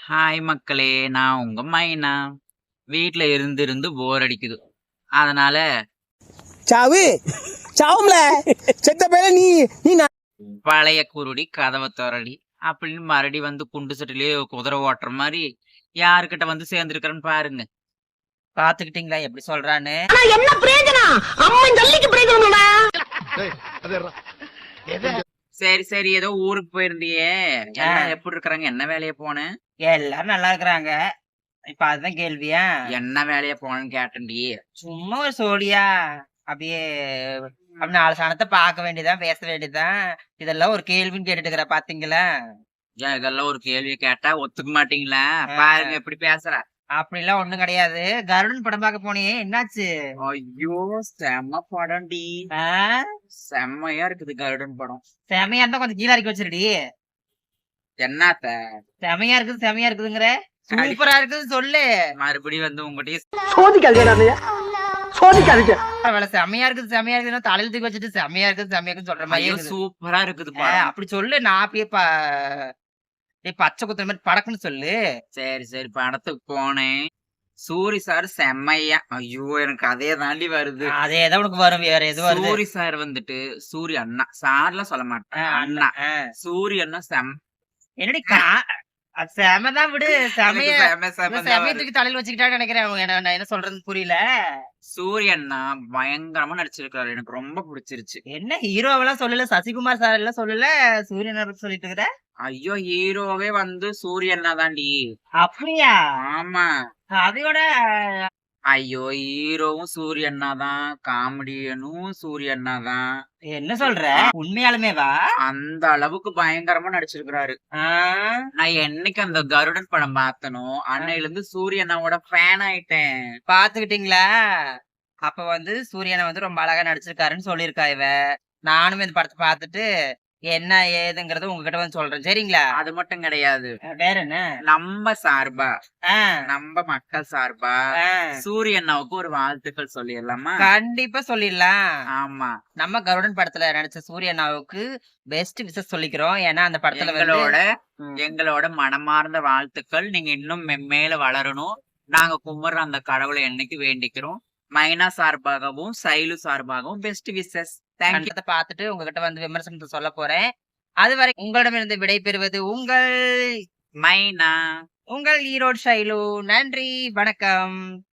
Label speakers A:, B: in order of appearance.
A: Hi மக்களே! நான் உங்க மைனா. வீட்ல இருந்து இருந்து போர் அடிக்குது. அதனால
B: சாவு சாவும்ல செத்த பேர நீ நீ
A: பழைய குருடி கதவ தொறடி அப்படின்னு மறுபடி வந்து குண்டு சட்டிலேயே குதிரை ஓட்டுற மாரி யாருக்கிட்ட வந்து சேர்ந்துருக்கிறேன்னு பாருங்க. பாத்துக்கிட்டீங்களா எப்படி சொல்றான்னு?
B: என்ன பிரயோஜனம் அம்மன் ஜல்லிக்கு பிரயோஜனம்டா.
A: சரி சரி ஏதோ ஊருக்கு போயிருந்தியே, எல்லாம் எப்படி இருக்கிறாங்க? என்ன வேலையா போன?
C: எல்லாரும் நல்லா இருக்கிறாங்க. இப்ப அதுதான் கேள்வியா?
A: என்ன வேலையா போனேன்னு கேட்டேன்டி.
C: சும்மா ஒரு சோடியா அப்படியே அப்படி 4 சனத்த பார்க்க வேண்டியதுதான், பேச வேண்டியதுதான். இதெல்லாம் ஒரு கேள்வின்னு கேட்டுட்டு இருக்கிற பாத்தீங்களா?
A: ஏன் இதெல்லாம் ஒரு கேள்வி கேட்டா ஒத்துக்க மாட்டீங்களா? பாருங்க எப்படி பேசுற.
C: அப்படிலாம் ஒண்ணும் கிடையாது. கருடன் படம் பார்க்க போனியே, என்னாச்சு?
A: ஐயோ! செம்ம படம்டி.
C: ஆ?
A: செம்மையா இருக்குது கருடன் படம்.
C: செமையா இருந்தா கொஞ்சம் கீழ இறக்கி வச்சிருடி.
A: என்னாத்த?
C: செமையா இருக்குது, செமையா இருக்குதுங்கிற? சூப்பரா இருக்குது சொல்லு.
A: மறுபடியும் வந்து உங்ககிட்டயே
B: சோதிக்காதீங்க சோதிக்காதீங்க.
C: பரவாயில்ல, செமையா இருக்குது, செமையா இருக்குதுன்னா தலையில தூக்கி வச்சுட்டு செமையா இருக்குது, செமையா இருக்குன்னு சொல்ற மாதிரி
A: ஐயோ
C: இருக்குது.
A: சூப்பரா இருக்குது
C: ஆ,
A: படம்.
C: அப்படி சொல்லு. நான் அப்படியே பச்சை குத்துற மாதிரி படக்குன்னு சொல்லு.
A: சரி சரி படத்துக்கு போனேன். சூரி சார் செம்மையா ஐயோ எனக்கு அதே தாண்டி வருது.
C: அதேதான் உனக்கு வரும், வேற எது வருது?
A: சூரி சார் வந்துட்டு சூரி அண்ணா சார்லாம் சொல்ல மாட்டேன். அண்ணா சூரி அண்ணா
C: என்னடி செமதான் விடு. செமைய
A: செம செம
C: செமைய தூக்கி தலையில வச்சுக்கிட்டான்னு நினைக்கிறேன். நான் என்ன சொல்றதுன்னு புரியல.
A: சூரிய அண்ணா பயங்கரமா நடிச்சிருக்காரு. எனக்கு ரொம்ப பிடிச்சிருச்சு.
C: என்ன ஹீரோவெல்லாம் சொல்லல, சசிகுமார் சார் எல்லாம் சொல்லல, சூரியனை பத்தி சொல்லிட்டு இருக்கிற?
A: ஐயோ ஹீரோவே வந்து சூரிய அண்ணா தாண்டி.
C: அப்படியா?
A: ஆமா.
C: அதையோட
A: ஐயோ ஹீரோவும் சூரிய அண்ணா தான், காமெடியனும் சூரிய அண்ணா தான்.
C: என்ன சொல்ற? உண்மையாலுமே வா?
A: அந்த அளவுக்கு பயங்கரமா நடிச்சிருக்கிறாரு. நான் என்னைக்கு அந்த கருடன் படம் பார்த்தனோ அன்னையில இருந்து சூரிய அண்ணாவோட ஃபேன் ஆயிட்டேன்.
C: பாத்துக்கிட்டீங்களா? அப்ப வந்து சூரியனை வந்து ரொம்ப அழகா நடிச்சிருக்காருன்னு சொல்லியிருக்கா இவ. நானும் இந்த படத்தை பார்த்துட்டு என்ன ஏதுங்கறத உங்ககிட்ட வந்து சொல்றேன், சரிங்களா?
A: அது மட்டும் கிடையாது.
C: வேற என்ன?
A: நம்ம சார்பா
C: ஆ,
A: நம்ம மக்கள் சார்பா
C: ஆ.
A: சூரிய அண்ணாவுக்கு ஒரு வாழ்த்துக்கள் சொல்லிடலாமா?
C: கண்டிப்பா சொல்லிடலாம்.
A: ஆமா.
C: நம்ம கருடன் படத்துல நடிச்ச சூரியனாவுக்கு பெஸ்ட் விஷஸ் சொல்லிக்கிறோம். ஏன்னா அந்த படத்துல வந்து
A: எங்களோட மனமார்ந்த வாழ்த்துக்கள். நீங்க இன்னும் மென்மேல வளரணும். நாங்க கும்பிடுற அந்த கடவுளை என்னைக்கு வேண்டிக்கிறோம். மைனா சார்பாகவும் சைலு சார்பாகவும் பெஸ்ட் விஷஸ். தேங்க்யூ.
C: கண்டத்தை பார்த்துட்டு உங்ககிட்ட வந்து விமர்சனத்தை சொல்ல போறேன். அதுவரை உங்களிடமிருந்து விடை பெறுவது உங்கள்
A: மைனா.
C: உங்கள் ஈரோடு ஷைலு. நன்றி, வணக்கம்.